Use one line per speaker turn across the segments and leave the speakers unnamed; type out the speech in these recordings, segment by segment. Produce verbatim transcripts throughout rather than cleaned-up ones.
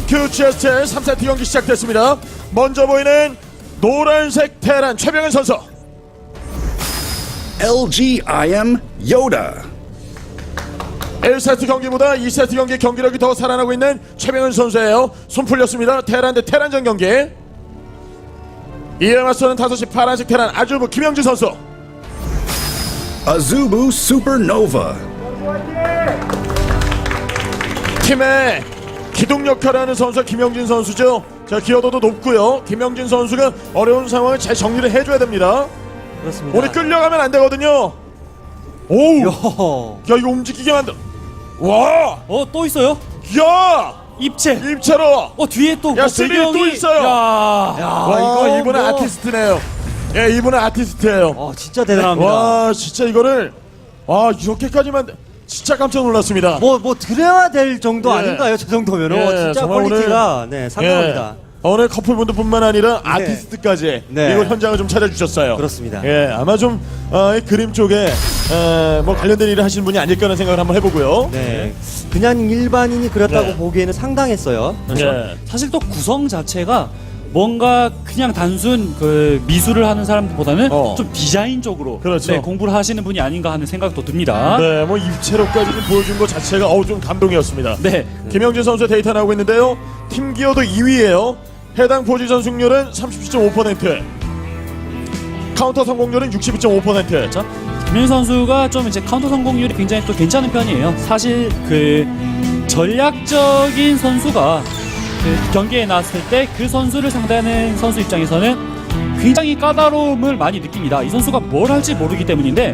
큐지에스의 삼 세트 경기 시작됐습니다. 먼저 보이는 노란색 테란 최병현 선수.
엘지 아이엠 Yoda.
일 세트 경기보다 이 세트 경기 경기력이 더 살아나고 있는 최병현 선수예요. 손 풀렸습니다. 테란 대 테란전 경기. 이에 맞서는 다섯 시 파란색 테란 아주부 김영진 선수.
Azubu Supernova.
팀의 기둥 역할을 하는 선수가 김영진 선수죠. 자, 기여도도 높고요. 김영진 선수가 어려운 상황을 잘 정리를 해줘야 됩니다.
그렇습니다.
오늘 끌려가면 안 되거든요. 오우.
요.
야, 이거 움직이게 만들. 와.
어, 또 있어요?
야.
입체.
입체로.
어, 뒤에 또
야,
뭐
스릴이
배경이
또 있어요.
야. 야,
와,
이거
이분은
뭐...
아티스트네요. 예, 이분은 아티스트예요.
어, 진짜 대단합니다.
와, 진짜 이거를 와, 이렇게까지 만들. 진짜 깜짝 놀랐습니다.
뭐, 뭐 드려야 될 정도
예.
아닌가요? 저 정도면은
예,
어, 진짜
정말
퀄리티가 네, 상당합니다.
예. 오늘 커플분들뿐만 아니라
네.
아티스트까지
네.
이곳 현장을 좀 찾아주셨어요.
그렇습니다.
예, 아마 좀 어, 이 그림 쪽에 어, 뭐 관련된 일을 하시는 분이 아닐까 하는 생각을 한번 해보고요.
네. 그냥 일반인이 그렸다고
네.
보기에는 상당했어요.
예.
사실 또 구성 자체가 뭔가 그냥 단순 그 미술을 하는 사람들보다는
어.
좀 디자인적으로
그렇죠.
네, 공부를 하시는 분이 아닌가 하는 생각도 듭니다.
네, 뭐 입체로까지 좀 보여준 것 자체가 어우 좀 감동이었습니다.
네.
김영진 선수의 데이터 나오고 있는데요. 팀 기어도 이 위예요. 해당 포지션 승률은 삼십칠 점 오 퍼센트. 카운터 성공률은 육십이 점 오 퍼센트.
그렇죠. 김현 선수가 좀 이제 카운터 성공률이 굉장히 또 괜찮은 편이에요. 사실 그 전략적인 선수가 그 경기에 나왔을 때 그 선수를 상대하는 선수 입장에서는 굉장히 까다로움을 많이 느낍니다. 이 선수가 뭘 할지 모르기 때문인데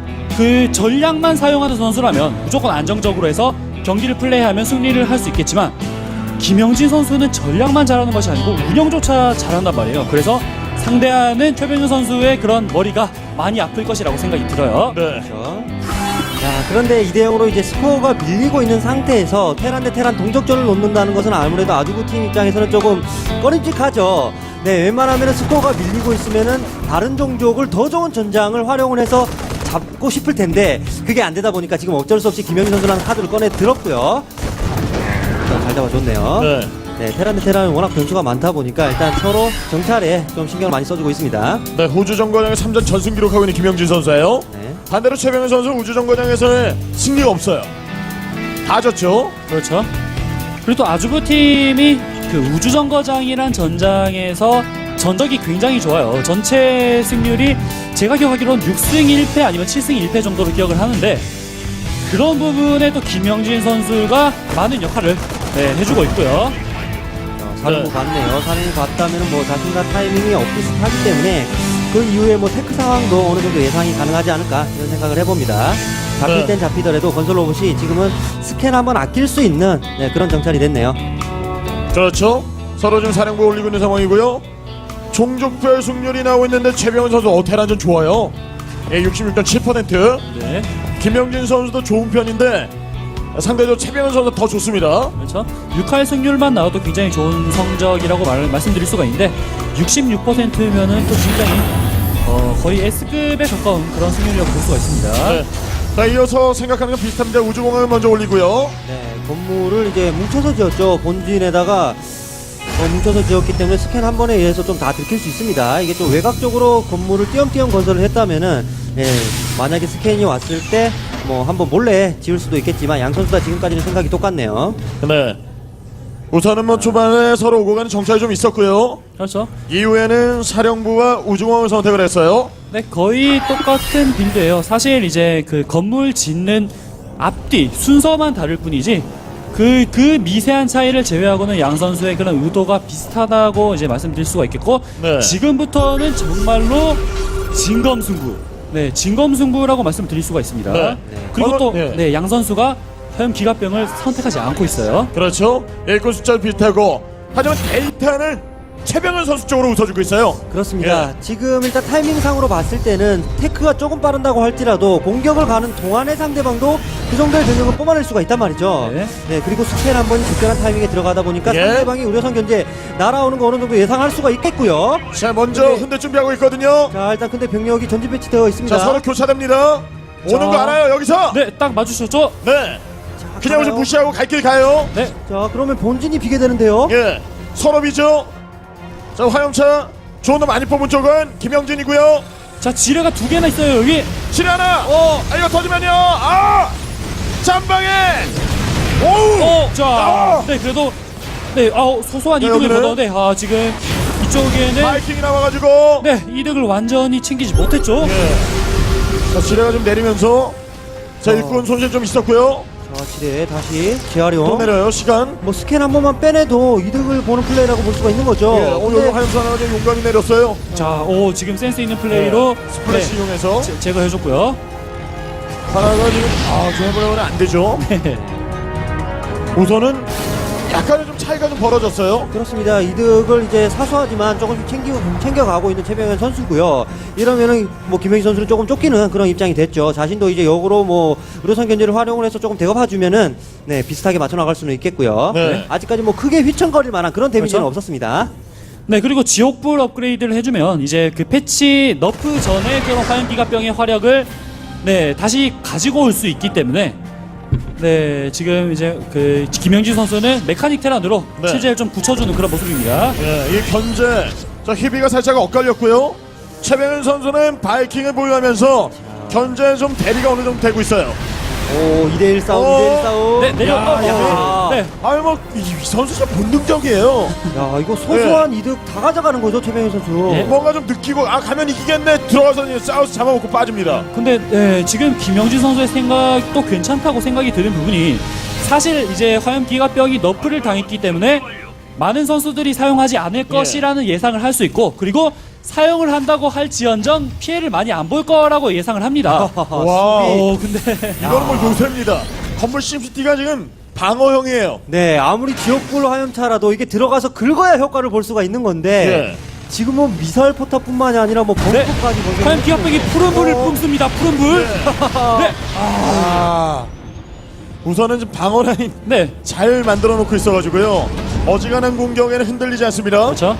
그 전략만 사용하는 선수라면 무조건 안정적으로 해서 경기를 플레이하면 승리를 할 수 있겠지만 김영진 선수는 전략만 잘하는 것이 아니고 운영조차 잘한단 말이에요. 그래서 상대하는 최병현 선수의 그런 머리가 많이 아플 것이라고 생각이 들어요.
네.
그렇죠. 자, 그런데 이 대 영으로 이제 스코어가 밀리고 있는 상태에서 테란 대 테란 동적전을 놓는다는 것은 아무래도 아주부 팀 입장에서는 조금 꺼림직하죠. 네, 웬만하면 스코어가 밀리고 있으면은 다른 종족을 더 좋은 전장을 활용을 해서 잡고 싶을 텐데 그게 안 되다 보니까 지금 어쩔 수 없이 김영희 선수라는 카드를 꺼내 들었고요. 자, 잘 잡아줬네요.
네.
네, 테란 대 테란은 워낙 변수가 많다 보니까 일단 서로 정찰에 좀 신경을 많이 써주고 있습니다.
네, 우주 정거장에 삼 전 전승 기록하고 있는 김영진 선수예요.
네.
반대로 최병현 선수 우주 정거장에서는 승리가 없어요. 다 졌죠.
그렇죠. 그리고 또 아주부 팀이 그 우주정거장이란 전장에서 전적이 굉장히 좋아요. 전체 승률이 제가 기억하기로는 육 승 일 패 아니면 칠 승 일 패 정도로 기억을 하는데 그런 부분에 또 김영진 선수가 많은 역할을 네, 해주고 있고요.
사령부
네.
봤네요. 사령부 봤다면 뭐 자신과 타이밍이 엇비슷하기 때문에 그 이후에 뭐 테크 상황도 어느 정도 예상이 가능하지 않을까 이런 생각을 해봅니다. 잡힐
네.
땐 잡히더라도 건설 로봇이 지금은 스캔 한번 아낄 수 있는 네, 그런 정찰이 됐네요.
그렇죠. 서로 지금 사령부 올리고 있는 상황이고요. 종족별 승률이 나오고 있는데 최병현 선수 어테란전 좋아요. 예, 육십육 점 칠 퍼센트.
네,
김영진 선수도 좋은 편인데 상대적으로 최병현 선수가 더 좋습니다.
그렇죠. 육 할 승률만 나와도 굉장히 좋은 성적이라고 말, 말씀드릴 수가 있는데 육십육 퍼센트면은 또 굉장히 어, 거의 S급에 가까운 그런 승률이라고 볼 수가 있습니다.
네. 자, 이어서 생각하는 건 비슷합니다. 우주공항을 먼저 올리고요.
네, 건물을 이제 뭉쳐서 지었죠. 본진에다가 어, 뭉쳐서 지었기 때문에 스캔 한 번에 의해서 좀 다 들킬 수 있습니다. 이게 좀 외곽적으로 건물을 띄엄띄엄 건설을 했다면은 예, 만약에 스캔이 왔을 때 뭐 한번 몰래 지을 수도 있겠지만 양 선수 다 지금까지는 생각이 똑같네요.
네. 우선은 뭐 초반에 서로 오고 가는 정찰이 좀 있었고요.
그렇죠.
이후에는 사령부와 우주공항을 선택을 했어요.
네, 거의 똑같은 빌드예요. 사실 이제 그 건물 짓는 앞뒤 순서만 다를 뿐이지 그, 그 미세한 차이를 제외하고는 양 선수의 그런 의도가 비슷하다고 이제 말씀드릴 수가 있겠고
네.
지금부터는 정말로 진검승부. 네, 진검승부라고 말씀드릴 수가 있습니다.
네.
그리고
네.
또
네.
네, 양 선수가 화염 기갑병을 선택하지 않고 있어요.
그렇죠. 일꾼 숫자도 비슷하고 하지만 데이터는 최병현 선수 쪽으로 웃어주고 있어요.
그렇습니다.
예.
지금 일단 타이밍상으로 봤을 때는 테크가 조금 빠른다고 할지라도 공격을 가는 동안의 상대방도 그 정도의 병력을 뽑아낼 수가 있단 말이죠.
네.
네, 그리고 스캔 한 번이 적절한 타이밍에 들어가다 보니까
예.
상대방이 우려선 견제 날아오는 거 어느 정도 예상할 수가 있겠고요.
자, 먼저
근데-
흔들 준비하고 있거든요.
자, 일단 근데 병력이 전진 배치되어 있습니다.
자, 서로 교차됩니다. 오는
자.
거 알아요, 여기서.
네, 딱 맞추셨죠?
네.
자,
그냥 여기서 무시하고 갈 길 가요.
네.
자, 그러면 본진이 비게 되는데요.
예, 서로 비죠. 자, 화염차 좋은 거 많이 뽑은 쪽은 김영진이고요.
자, 지뢰가 두 개나 있어요 여기.
실 하나. 어, 아, 이거 터지면요. 아, 짬방에. 오우.
어, 자,
아!
네 그래도 네, 아 소소한
네,
이득을
여기는?
보는데 아 지금 이쪽에는
바이킹이 나와가지고.
네 이득을 완전히 챙기지 못했죠.
예. 자, 지뢰가 좀 내리면서 자,
어.
일꾼 손실 좀 있었고요.
자, 지뢰 다시
또
재활용.
내려요. 시간.
뭐 스캔 한 번만 빼내도 이득을 보는 플레이라고 볼 수가 있는 거죠.
예, 오늘
근데
화염차 하나 좀 용감히 내렸어요.
자, 오 지금 센스 있는 플레이로
네, 스플래시
네,
이용해서
제, 제거해줬고요.
하나가 지금 아, 좀 해보려면 안 되죠.
네.
우선은 약간의 좀 차이가 좀 벌어졌어요.
그렇습니다. 이득을 이제 사소하지만 조금씩 챙기고 챙겨가고 있는 최병현 선수고요. 이러면은 뭐 김영희 선수는 조금 쫓기는 그런 입장이 됐죠. 자신도 이제 역으로 뭐 의료선 견제를 활용을 해서 조금 대갚아주면은 네 비슷하게 맞춰 나갈 수는 있겠고요.
네.
아직까지 뭐 크게 휘청거릴 만한 그런 데미지는
그렇죠?
없었습니다.
네 그리고 지옥불 업그레이드를 해주면 이제 그 패치 너프 전에 그런 화염기갑병의 화력을 네 다시 가지고 올 수 있기 때문에 네 지금 이제 그 김영진 선수는 메카닉 테란으로
네.
체제를 좀 붙여주는 그런 모습입니다.
예, 이 견제. 자, 희비가 살짝 엇갈렸고요. 최병현 선수는 바이킹을 보유하면서 견제 좀 대비가 어느 정도 되고 있어요.
오 이 대 일 싸움,
어.
이 대 일 싸움.
네 내려.
야,
어,
야.
네.
아유, 뭐, 이, 이 선수 진짜 본능적이에요.
야 이거 소소한 이득 다 가져가는 거죠 최병현 선수.
예.
뭔가 좀 느끼고, 아, 가면 이기겠네. 들어가서 이제 싸워서 잡아먹고 빠집니다.
근데 네, 지금 김영진 선수의 생각도 괜찮다고 생각이 드는 부분이 사실 이제 화염기갑병이 너프를 당했기 때문에 많은 선수들이 사용하지 않을 것이라는 예상을 할 수 있고 그리고 사용을 한다고 할지언정 피해를 많이 안 볼 거라고 예상을 합니다.
와,
어, 근데
이거는 뭐 요새입니다. 건물 심시티가 지금 방어형이에요.
네 아무리 지옥불 화염차라도 이게 들어가서 긁어야 효과를 볼 수가 있는 건데
예.
지금은 미사일 포탑뿐만이 아니라 뭐
네.
벙커까지 거기에
화염기갑병이 푸른 불을
어.
뿜습니다. 푸른 불. 네.
아, 우선은 지금 방어 라인
네.
잘 만들어 놓고 있어가지고요. 어지간한 공격에는 흔들리지 않습니다.
그렇죠.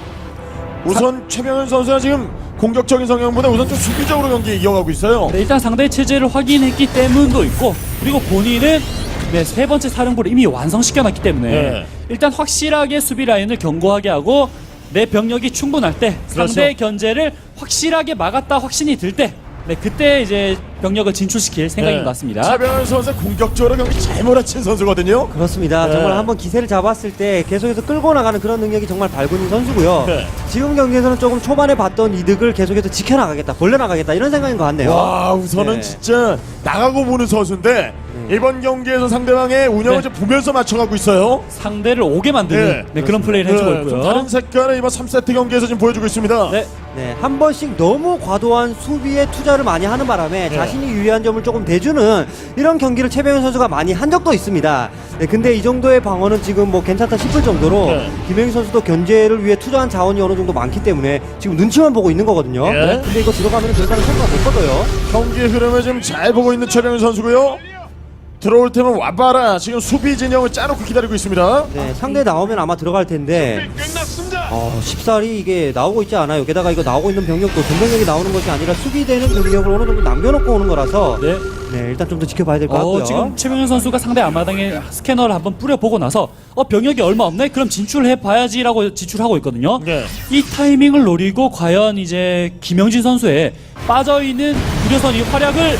우선 최병현 선수가 지금 공격적인 성향보다 우선 좀 수비적으로 경기 이어가고 있어요.
네, 일단 상대의 체제를 확인했기 때문도 있고 그리고 본인은 네, 세 번째 사령부를 이미 완성시켜놨기 때문에
네.
일단 확실하게 수비 라인을 견고하게 하고 내 병력이 충분할 때
그렇죠.
상대의 견제를 확실하게 막았다 확신이 들 때 네, 그때 이제 병력을 진출시킬 생각인
네.
것 같습니다.
최병현 선수 공격적으로 경기 잘 몰아친 선수거든요.
그렇습니다.
네.
정말 한번 기세를 잡았을 때 계속해서 끌고 나가는 그런 능력이 정말 발군인 선수고요.
네.
지금 경기에서는 조금 초반에 봤던 이득을 계속해서 지켜나가겠다, 벌려나가겠다 이런 생각인 것 같네요.
와, 우선은
네.
진짜 나가고 보는 선수인데 이번 경기에서 상대방의 운영을
네.
좀 보면서 맞춰가고 있어요.
상대를 오게 만드는 네, 그런 플레이를 해주고
네, 좀
있고요.
다른 색깔을 이번 삼 세트 경기에서 지금 보여주고 있습니다.
네.
네, 한 번씩 너무 과도한 수비에 투자를 많이 하는 바람에
네.
자신이 유리한 점을 조금 대주는 이런 경기를 최병현 선수가 많이 한 적도 있습니다. 네, 근데 이 정도의 방어는 지금 뭐 괜찮다 싶을 정도로
네.
김영희 선수도 견제를 위해 투자한 자원이 어느 정도 많기 때문에 지금 눈치만 보고 있는 거거든요.
네.
네, 근데 이거 들어가면 결과는 성과가 못 거둬요.
경기의 흐름을 지금 잘 보고 있는 최병현 선수고요. 들어올 때면 와봐라. 지금 수비 진영을 짜놓고 기다리고 있습니다.
네, 상대 나오면 아마 들어갈 텐데 어, 쉽사리 이게 나오고 있지 않아요. 게다가 이거 나오고 있는 병력도 전병력이 나오는 것이 아니라 수비되는 병력을 어느 정도 남겨놓고 오는 거라서
네.
네, 일단 좀 더 지켜봐야 될 것
어,
같고요.
지금 최병현 선수가 상대 앞마당에 스캐너를 한번 뿌려보고 나서 어 병력이 얼마 없네? 그럼 진출해봐야지라고 진출하고 있거든요.
네.
이 타이밍을 노리고 과연 이제 김영진 선수의 빠져있는 유려선이 활약을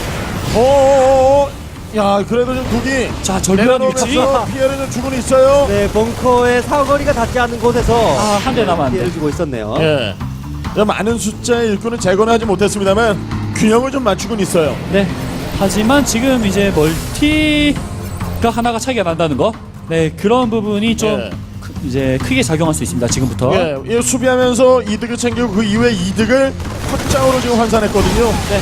오, 야, 그래도 좀 두기.
자 절묘한 위치
내려놓으면서 피해를 좀 주고는 있어요.
네, 벙커의 사거리가 닿지 않는 곳에서
아, 한대 남았는데.
피해를 주고 있었네요.
예. 많은 숫자의 일꾼은 제거는 하지 못했습니다만 균형을 좀 맞추고는 있어요.
네. 하지만 지금 이제 멀티가 하나가 차이가 난다는 거. 네 그런 부분이 좀
예.
크- 이제 크게 작용할 수 있습니다. 지금부터.
예, 이 수비하면서 이득을 챙기고 그 이후에 이득을 확장으로 지금 환산했거든요.
네.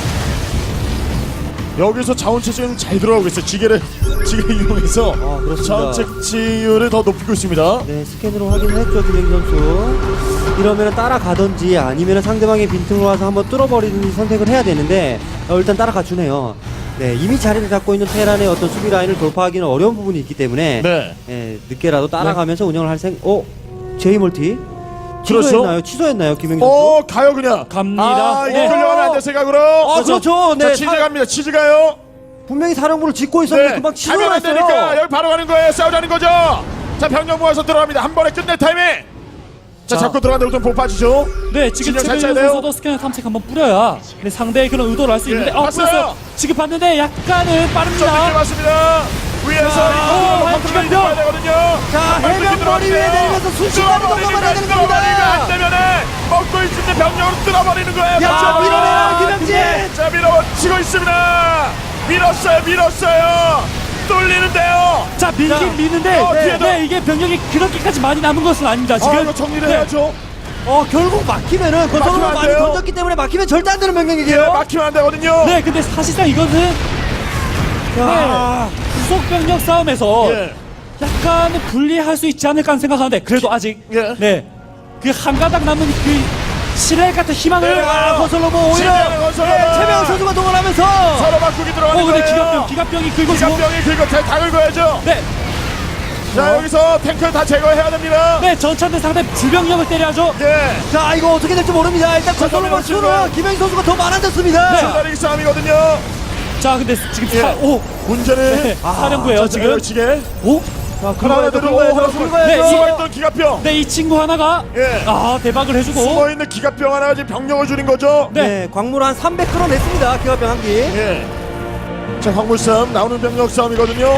여기서 자원채취는 잘 들어가고 있어요. 지게를 지게 이용해서
아, 그렇습니다.
자원채취율을 더 높이고 있습니다.
네, 스캔으로 확인을 했죠, 김영희 선수. 이러면 따라가든지 아니면 상대방의 빈틈으로 와서 한번 뚫어버리는 선택을 해야 되는데 어, 일단 따라가 주네요. 네, 이미 자리를 잡고 있는 테란의 어떤 수비 라인을 돌파하기는 어려운 부분이 있기 때문에
네.
예, 늦게라도 따라가면서 운영을 할 생. 어, 제이 멀티.
그렇죠.
취소했나요? 취소했나요, 김영희 선수?
어, 가요 그냥.
갑니다.
아, 이게
네.
끌려가면 안 돼 생각으로.
아, 그렇죠.
자,
네,
치즈
사-
갑니다. 치즈 가요.
분명히 사령부를 짓고 있었는데 금방
가면 안 되니까
치솟았어요.
여기 바로 가는 거예요. 싸우자는 거죠. 자, 병력 모아서 들어갑니다. 한 번에 끝낼 타이밍. 자,
자.
잡고 들어가는데 우선 못 빠지죠.
네, 지금
진영 잘
최병현
짜야 돼요.
선수도 스캐너 탐색 한번 뿌려야 네, 상대의 그런 의도를 알 수 있는데
예,
어,
봤어요.
뿌렸어요. 지금 봤는데 약간은
자,
빠릅니다.
늦게 왔습니다. 위에서
자,
이거
어,
컨트롤
기갑병.
해야 되거든요.
자,
빨리
해병
들어가야
머리 위에
돼요.
내리면서 순식간에
뚫어버리니까,
넘어가야 되는 겁니다.
뚫어버리니까 안 되면은 먹고 있을 때 병력으로 뚫어버리는 거예요.
야,
같이
밀어내요,
한번.
김영진.
자, 밀어치고 있습니다. 밀었어요, 밀었어요. 뚫리는데요.
자, 밀긴
자,
미는데
어,
네,
뒤에도.
네, 이게 병력이 그렇게까지 많이 남은 것은 아닙니다. 지금
아, 이거 정리를
네.
해야죠.
어, 결국 막히면은
막히면
건설로
안
많이
돼요.
던졌기 때문에 막히면 절대 안 되는
예,
명령이에요.
막히면 안 되거든요.
네, 근데 사실상 이거는
야.
네, 구속 병력 싸움에서
예.
약간 불리할 수 있지 않을까 하는 생각하는데 그래도 아직
예.
네, 그 한 가닥 남은 그 신뢰 같은 희망을
네.
아, 건설로버 오히려
진짜 건설로버.
예, 최명훈 선수가 동원하면서
서로 바꾸기 들어가는
어, 근데
거예요.
기갑병, 기갑병이 긁고 고
기갑병이 긁어 다, 다 긁어야죠.
네,
자, 여기서 탱크 다 제거해야 됩니다.
네, 전차대 상대 주병력을 때려야죠.
예.
자, 이거 어떻게 될지 모릅니다. 일단 건설로버
건설로버
수는 김영희 선수가 더 많아졌습니다.
줄다리기 싸움이거든요.
자, 근데 지금
예.
사, 오,
문제는
네,
아,
사령부예요 지금.
지게
오,
자,
하나
긁어야죠,
둘
긁어야죠,
오,
긁어야죠.
네,
숨어있던 기갑병.
네, 이 친구 하나가
예.
아 대박을 해주고.
숨어있는 기갑병 하나가 지금 병력을 줄인 거죠.
네.
네, 광물 한 삼백 끌어냈습니다. 기갑병 한 기.
예. 자, 황물 싸움 나오는 병력 싸움이거든요.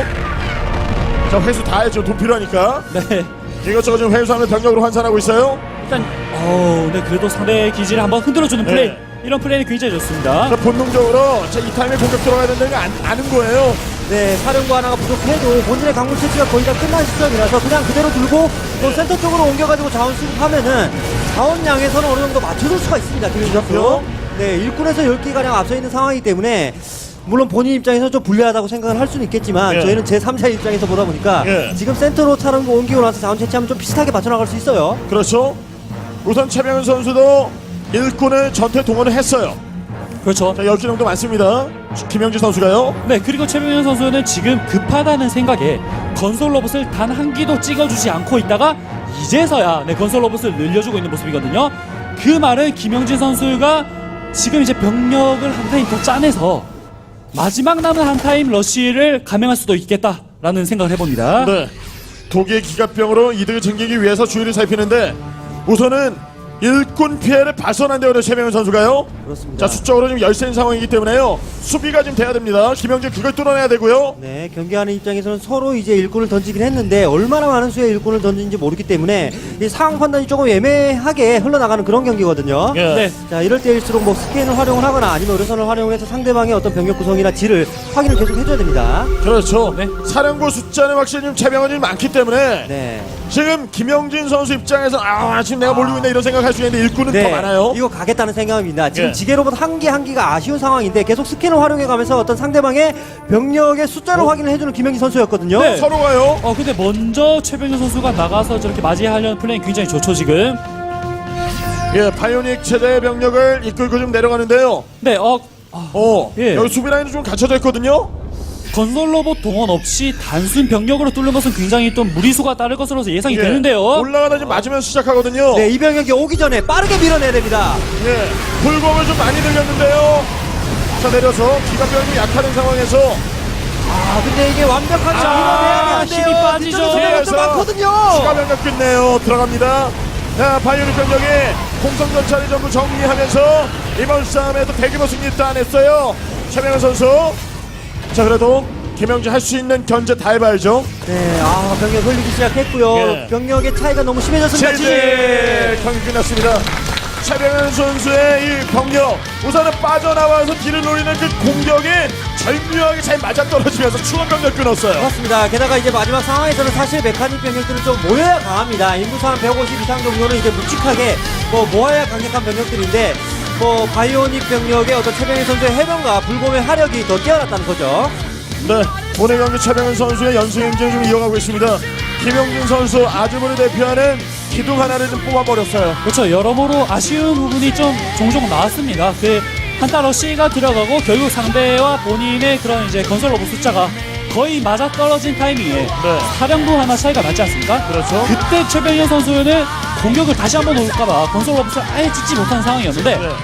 자, 회수 다 했죠. 돈 필요하니까.
네,
이것저것 지금 회수하면 병력으로 환산하고 있어요.
일단 어, 네, 그래도 상대 기지를 한번 흔들어주는
네.
플레이. 이런 플레이는 굉장히 좋습니다.
자, 본능적으로 자, 이 타임에 공격 들어가야 된다는 거 안, 아는 거예요.
네, 사령부 하나가 부족해도 본진의 강물 채취가 거의 다 끝난 시점이라서 그냥 그대로 두고 또 센터 쪽으로 옮겨가지고 자원 수급하면은 자원량에서는 어느 정도 맞춰줄 수가 있습니다. 김윤 선수.
그렇죠.
네, 일꾼에서 열 개가량 앞서 있는 상황이기 때문에 물론 본인 입장에서 좀 불리하다고 생각을 할 수는 있겠지만
예.
저희는 제삼자의 입장에서 보다 보니까
예.
지금 센터로 차량고 옮기고 나서 자원 채취하면 좀 비슷하게 맞춰나갈 수 있어요.
그렇죠. 우선 최병현 선수도 일꾼을 전투에 동원을 했어요.
그렇죠.
자, 열 개 정도 많습니다. 김영진 선수가요.
네, 그리고 최병현 선수는 지금 급하다는 생각에 건설 로봇을 단 한 기도 찍어주지 않고 있다가 이제서야 네, 건설 로봇을 늘려주고 있는 모습이거든요. 그 말은 김영진 선수가 지금 이제 병력을 한 타임 더 짜내서 마지막 남은 한 타임 러쉬를 감행할 수도 있겠다라는 생각을 해봅니다.
네. 독일 기갑병으로 이득을 챙기기 위해서 주의를 살피는데 우선은 일꾼 피해를 발선한대요. 최병현 선수가요.
그렇습니다.
자, 수적으로 지금 열세인 상황이기 때문에요. 수비가 지금 돼야 됩니다. 김영진 그걸 뚫어내야 되고요.
네, 경기하는 입장에서는 서로 이제 일꾼을 던지긴 했는데 얼마나 많은 수의 일꾼을 던지는지 모르기 때문에 이 상황 판단이 조금 애매하게 흘러나가는 그런 경기거든요.
예.
네.
자, 이럴 때일수록 뭐 스캔을 활용을 하거나 아니면 의료선을 활용해서 상대방의 어떤 병력 구성이나 질을 확인을 계속 해줘야 됩니다.
그렇죠.
네.
사령부 숫자는 확실히 지금 최병현이 많기 때문에
네.
지금 김영진 선수 입장에서 아 지금 내가 몰리고 있네 이런 생각할 수 있는데 일꾼은 더 많아요.
이거 가겠다는 생각입니다. 지금
예.
지게로봇 한 개 한 개가 아쉬운 상황인데 계속 스캔을 활용해가면서 어떤 상대방의 병력의 숫자를
어?
확인을 해주는 김영희 선수였거든요.
네.
서로가요.
어, 근데 먼저 최병현 선수가 나가서 저렇게 맞이하려는 플레이 굉장히 좋죠 지금.
예, 바이오닉 체제의 병력을 이끌고 좀 내려가는데요.
네, 어, 아,
어,
예.
여기 수비 라인은 좀 갖춰져 있거든요.
건설 로봇 동원 없이 단순 병력으로 뚫는 것은 굉장히 또 무리수가 따를 것으로 예상이
예.
되는데요.
올라가다 지금 맞으면 시작하거든요.
네, 이 병력이 오기 전에 빠르게 밀어내야 됩니다.
예, 불공을 좀 많이 늘렸는데요. 자, 내려서 기갑병이 약하는 상황에서
아, 근데 이게 완벽하게
아,
밀어내야 되는데요.
힘이 빠지죠.
뒤쪽에 병력도
뒤에서
많거든요.
추가 병력 끝내요. 들어갑니다. 자, 바이오닉 병력이 공성 전차를 전부 정리하면서 이번 싸움에도 대규모 승리 따냈어요. 최병현 선수. 자, 그래도 김영진 할 수 있는 견제 다 해봐야죠.
네, 아, 병력 흘리기 시작했고요.
예.
병력의 차이가 너무 심해졌습니다.
제재 경기 끝났습니다. 최병현 선수의 이 병력 우선은 빠져나와서 뒤를 노리는 그 공격이 절묘하게 잘 맞아떨어지면서 추가 병력 끊었어요.
맞습니다. 게다가 이제 마지막 상황에서는 사실 메카닉 병력들은 좀 모여야 강합니다. 인구수 한 백오십 이상 정도는 이제 묵직하게 뭐 모아야 강력한 병력들인데 뭐 바이오닉 병력의 어떤 최병희 선수의 해병과 불곰의 화력이 더 뛰어났다는 거죠.
네, 오늘 경기 최병현 선수의 연승 행진을 좀 이어가고 있습니다. 김영진 선수 아주머니 대표하는 기둥 하나를 좀 뽑아버렸어요.
그렇죠. 여러모로 아쉬운 부분이 좀 종종 나왔습니다. 그 한타 러시가 들어가고 결국 상대와 본인의 그런 이제 건설 로봇 숫자가 거의 맞아 떨어진 타이밍에
네.
사령부 하나 차이가 나지 않습니까?
그렇죠.
그때 최병현 선수는 공격을 다시 한번 올까봐 건설 로봇을 아예 찍지 못한 상황이었는데
네.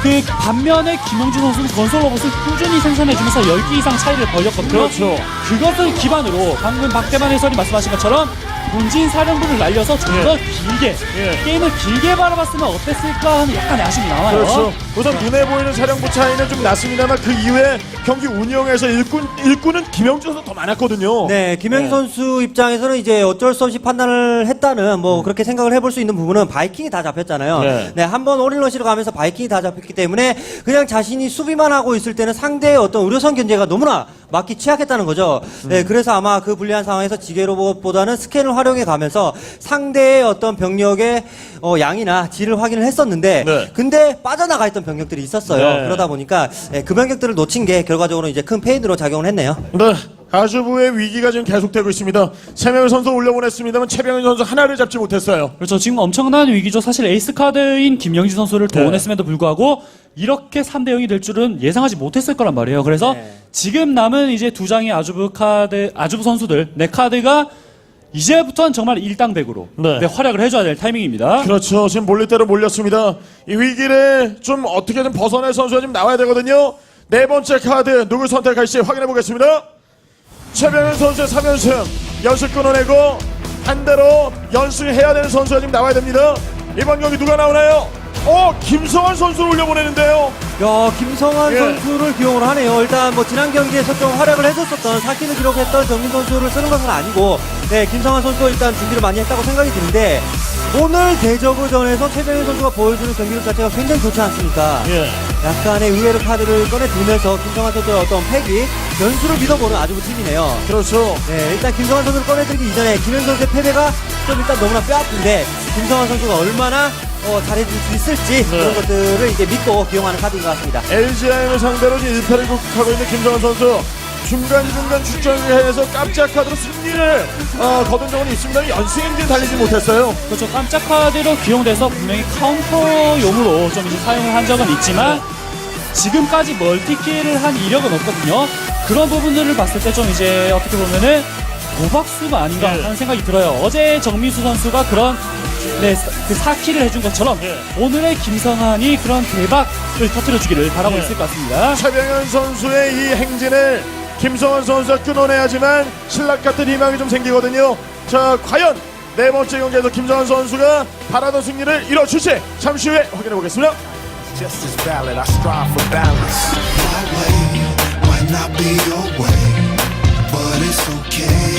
그 반면에 김영준 선수는 건설 로봇을 꾸준히 생산해주면서 열 개 이상 차이를 벌였거든요.
그렇죠.
그것을 기반으로 방금 박대만 해설이 말씀하신 것처럼 본진 사령부를 날려서 좀 더
예.
길게
예.
게임을 길게 바라봤으면 어땠을까 하는 약간의 아쉬움이 남아요.
그렇죠. 우선 눈에 보이는 사령부 차이는 좀 났습니다만 그 이후에 경기 운영에서 일꾼, 일꾼은 김영준 선수 더 많았거든요.
네, 김영
네.
선수 입장에서는 이제 어쩔 수 없이 판단을 했다는 뭐 그렇게 생각을 해볼 수 있는 부분은 바이킹이 다 잡혔잖아요.
네.
네, 한번 올인러시로 가면서 바이킹이 다 잡혔기 때문에 그냥 자신이 수비만 하고 있을 때는 상대의 어떤 의료선 견제가 너무나 막기 취약했다는 거죠. 네, 그래서 아마 그 불리한 상황에서 지게 로봇보다는 스캔을 활용해 가면서 상대의 어떤 병력의 어, 양이나 질을 확인을 했었는데
네.
근데 빠져나가 있던 병력들이 있었어요.
네.
그러다 보니까 네, 그 병력들을 놓친 게 결과적으로 이제 큰 페인으로 작용을 했네요.
네. 가주부의 위기가 지금 계속되고 있습니다. 세 명의 선수 올려보냈습니다만 최병현 선수 하나를 잡지 못했어요.
그렇죠. 지금 엄청난 위기죠. 사실 에이스 카드인 김영진 선수를
네.
동원했음에도 불구하고 이렇게 삼 대 영이 될 줄은 예상하지 못했을 거란 말이에요. 그래서
네.
지금 남은 이제 두 장의 아주부 카드, 아주부 선수들, 네 카드가 이제부터는 정말 일당백으로
네.
네, 활약을 해줘야 될 타이밍입니다.
그렇죠. 지금 몰릴대로 몰렸습니다. 이 위기를 좀 어떻게든 벗어낼 선수가 좀 나와야 되거든요. 네 번째 카드 누굴 선택할지 확인해 보겠습니다. 최병현 선수의 삼 연승 연승 끊어내고 한 대로 연승해야 되는 선수가 지금 나와야 됩니다. 이번 경기 누가 나오나요? 어, 김성환 선수를 올려보내는데요.
야, 김성환
예.
선수를 기용을 하네요. 일단 뭐 지난 경기에서 좀 활약을 해줬었던 사 킬을 기록했던 정민 선수를 쓰는 것은 아니고, 네, 김성환 선수가 일단 준비를 많이 했다고 생각이 드는데, 오늘 대저그전에서 최병현 선수가 보여주는 경기력 자체가 굉장히 좋지 않습니까?
예.
약간의 의외로 카드를 꺼내두면서 김성환 선수의 어떤 패기, 변수를 믿어보는 아주 팀이네요.
그렇죠.
네, 일단 김성환 선수를 꺼내들기 이전에 김현 선수의 패배가 좀 일단 너무나 뼈아픈데 김성환 선수가 얼마나 어, 잘해줄 수 있을지
네.
그런 것들을 이제 믿고 기용하는 카드인 것 같습니다.
엘지아이엠을 상대로 지금 일 패를 극복하고 있는 김성환 선수. 중간중간 출전을 해서 깜짝 카드로 승리를 어, 거둔 적은 있습니다. 연승 엔진 달리지 못했어요.
그렇죠. 깜짝 카드로 기용돼서 분명히 카운터용으로 좀 이제 사용을 한 적은 있지만 지금까지 멀티킬을 한 이력은 없거든요. 그런 부분들을 봤을 때 좀 이제 어떻게 보면은 고박수가 아닌가
네.
하는 생각이 들어요. 어제 정민수 선수가 그런 네, 그 사 킬을 해준 것처럼
네.
오늘의 김성환이 그런 대박을 터뜨려주기를 바라고
네.
있을 것 같습니다.
최병현 선수의 이 행진을 김성환 선수가 끊어내야지만 신락 같은 희망이 좀 생기거든요. 자, 과연 네 번째 경기에서 김성환 선수가 바라던 승리를 이뤄줄지 잠시 후에 확인해 보겠습니다.
Just as valid, I strive for balance. My way might not be your way, but it's okay.